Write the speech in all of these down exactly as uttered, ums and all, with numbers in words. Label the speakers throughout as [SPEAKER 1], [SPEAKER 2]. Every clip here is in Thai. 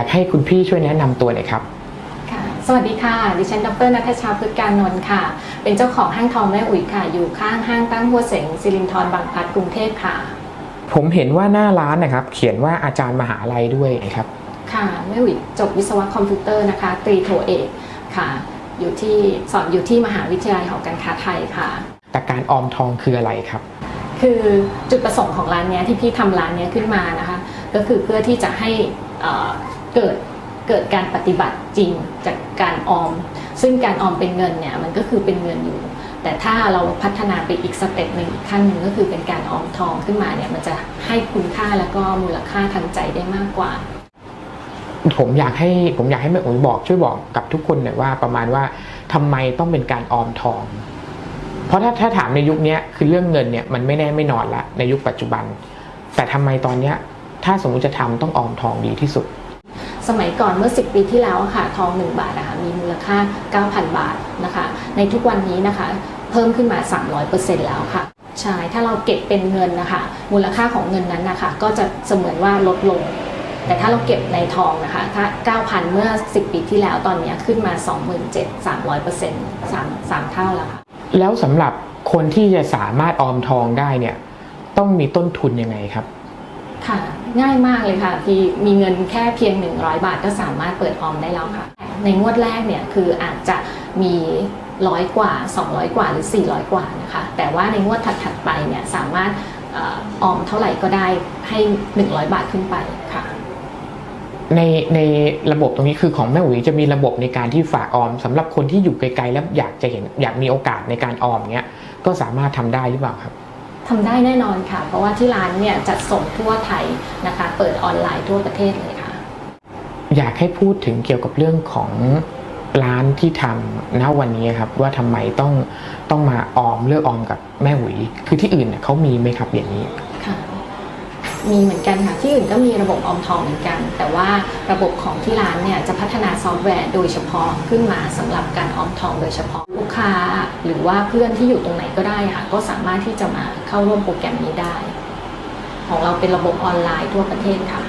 [SPEAKER 1] ให้คุณพี่ช่วยแนะนำตัวหน่อยครับ
[SPEAKER 2] ค่ะสวัสดีค่ะดิฉันดร.ณัฐชา พฤกษ์การนนท์ค่ะเป็นเจ้าของห้างทองแม่อุ๋ยค่ะอยู่ข้างห้างตั้งหัวเสงสิรินธรบางพลัดกรุงเทพค่ะ
[SPEAKER 1] ผมเห็นว่าหน้าร้านนะครับเขียนว่าอาจารย์มหาลัยด้วยครับ
[SPEAKER 2] ค่ะแม่อุ๋ยจบวิศวะคอมพิวเตอร์นะคะตรีโทเอกค่ะอยู่ที่สอนอยู่ที่มหาวิทยาลัยหอการค้าไทยค่ะ
[SPEAKER 1] แต่การออมทองคืออะไรครับ
[SPEAKER 2] คือจุดประสงค์ของร้านนี้ที่พี่ทำร้านนี้ขึ้นมานะคะก็คือเพื่อที่จะให้เกิดเกิดการปฏิบัติจริงจากการออมซึ่งการออมเป็นเงินเนี่ยมันก็คือเป็นเงินอยู่แต่ถ้าเราพัฒนาไปอีกสเต็ปหนึ่งอีกขั้นหนึ่งก็คือเป็นการออมทองขึ้นมาเนี่ยมันจะให้คุณค่าแล้วก็มูลค่าทางใจได้มากกว่า
[SPEAKER 1] ผมอยากให้ผมอยากให้แม่อุ๋ยบอกช่วยบอกกับทุกคนหน่อยว่าประมาณว่าทำไมต้องเป็นการออมทองเพราะถ้าถ้าถามในยุคนี้คือเรื่องเงินเนี่ยมันไม่แน่ไม่นอนละในยุคปัจจุบันแต่ทำไมตอนนี้ถ้าสมมุติจะทำต้องออมทองดีที่สุด
[SPEAKER 2] สมัยก่อนเมื่อสิบปีที่แล้วค่ะทองหนึ่งบาทนะคะมีมูลค่า เก้าพัน บาทนะคะในทุกวันนี้นะคะเพิ่มขึ้นมา สามร้อยเปอร์เซ็นต์ แล้วค่ะใช่ถ้าเราเก็บเป็นเงินนะคะมูลค่าของเงินนั้นนะคะก็จะเสมือนว่าลดลงแต่ถ้าเราเก็บในทองนะคะถ้า เก้าพัน เมื่อสิบปีที่แล้วตอนนี้ขึ้นมา สองหมื่นเจ็ดพัน สามร้อยเปอร์เซ็นต์ สาม สามเท่าแล้วค่ะ
[SPEAKER 1] แล้วสำหรับคนที่จะสามารถออมทองได้เนี่ยต้องมีต้นทุนยังไงครับ
[SPEAKER 2] ค่ะง่ายมากเลยค่ะพี่มีเงินแค่เพียงหนึ่งร้อยบาทก็สามารถเปิดออมได้แล้วค่ะในงวดแรกเนี่ยคืออาจจะมีร้อยกว่าสองร้อยกว่าหรือสี่ร้อยกว่านะคะแต่ว่าในงวดถัดๆไปเนี่ยสามารถออมเท่าไหร่ก็ได้ให้หนึ่งร้อยบาทขึ้นไปค่ะ
[SPEAKER 1] ในในระบบตรงนี้คือของแม่อุ๋ยจะมีระบบในการที่ฝากออมสำหรับคนที่อยู่ไกลๆแล้วอยากจะเห็นอยากมีโอกาสในการออมเงี้ยก็สามารถทำได้หรือเปล่าครับ
[SPEAKER 2] ทำได้แน่นอนค่ะเพราะว่าที่ร้านเนี่ยจัดส่งทั่วไทยนะคะเปิดออนไลน์ทั่วประเทศเลยค่ะ
[SPEAKER 1] อยากให้พูดถึงเกี่ยวกับเรื่องของร้านที่ทำณวันนี้ครับว่าทำไมต้องต้องมาออมเลือกออมกับแม่อุ๋ยคือที่อื่นเนี่ยเขามีไหมครับอย่างนี้
[SPEAKER 2] ค่ะมีเหมือนกันค่ะที่อื่นก็มีระบบออมทองเหมือนกันแต่ว่าระบบของที่ร้านเนี่ยจะพัฒนาซอฟต์แวร์โดยเฉพาะขึ้นมาสำหรับการออมทองโดยเฉพาะลูกค้าหรือว่าเพื่อนที่อยู่ตรงไหนก็ได้ค่ะก็สามารถที่จะมาเข้าร่วมโปรแกรมนี้ได้ของเราเป็นระบบออนไลน์ทั่วประเทศค่ะ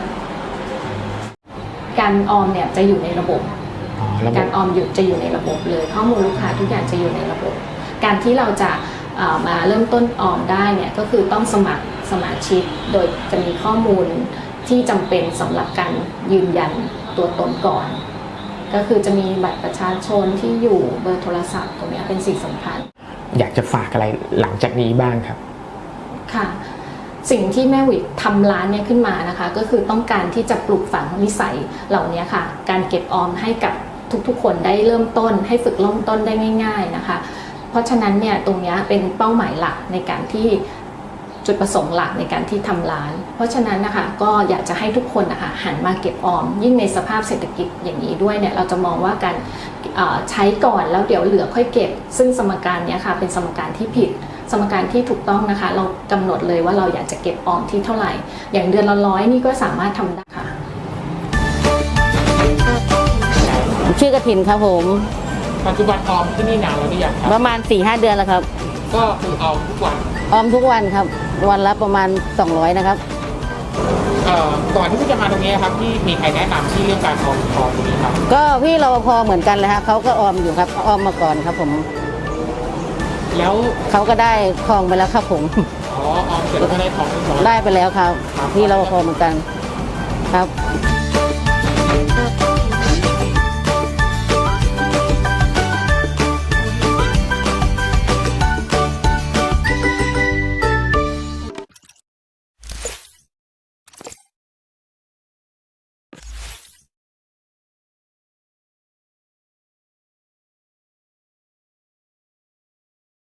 [SPEAKER 2] การออมเนี่ยจะอยู่ในระบบการออมอยู่จะอยู่ในระบบเลยข้อมูลลูกค้าทุกอย่างจะอยู่ในระบบการที่เราจะมาเริ่มต้นออมได้เนี่ยก็คือต้องสมัครสมาชิกโดยจะมีข้อมูลที่จำเป็นสำหรับการยืนยันตัวตนก่อนก็คือจะมีบัตรประชาชนที่อยู่เบอร์โทรศัพท์ตรงนี้เป็นสิ่งสำคัญ
[SPEAKER 1] อยากจะฝากอะไรหลังจากนี้บ้างครับ
[SPEAKER 2] ค่ะสิ่งที่แม่วิทำร้านเนี่ยขึ้นมานะคะก็คือต้องการที่จะปลูกฝังนิสัยเหล่านี้ค่ะการเก็บออมให้กับทุกๆคนได้เริ่มต้นให้ฝึกเริ่มต้นได้ง่ายๆนะคะเพราะฉะนั้นเนี่ยตรงนี้เป็นเป้าหมายหลักในการที่จุดประสงค์หลักในการที่ทำร้านเพราะฉะนั้นนะคะก็อยากจะให้ทุกคนนะคะหันมาเก็บออมยิ่งในสภาพเศรษฐกิจอย่างนี้ด้วยเนี่ยเราจะมองว่าการใช้ก่อนแล้วเดี๋ยวเหลือค่อยเก็บซึ่งสมการนี้ค่ะเป็นสมการที่ผิดสมการที่ถูกต้องนะคะเรากำหนดเลยว่าเราอยากจะเก็บออมที่เท่าไหร่อย่างเดือนละร้อยนี่ก็สามารถทำได้ค่ะ
[SPEAKER 3] ชื่อกฐินครับผม
[SPEAKER 1] ปัจจุบันออมที่นี่นานแล้วหรือยังครับ
[SPEAKER 3] ประมาณ สี่ห้า เดือนแล้วครับ
[SPEAKER 1] ก็คือออมทุกวัน
[SPEAKER 3] ออมทุกวันครับวันละประมาณสองร้อยนะครับ
[SPEAKER 1] เอ่อก่อนที่จะมาตรงนี้ครับที่มีใครแนะนำที่เรื่องการออมทองตรงนี้ครับ
[SPEAKER 3] ก็พี่รปภเหมือนกันเลยฮะเขาก็ออมอยู่ครับออมมาก่อนครับผม
[SPEAKER 1] แล้ว
[SPEAKER 3] เขาก็ได้ทองไปแล้วครับผม
[SPEAKER 1] อ๋อออมเสร็จก็ได้ทอง
[SPEAKER 3] ได้ไปแล้วครับพี่รปภเหมือนกันครับ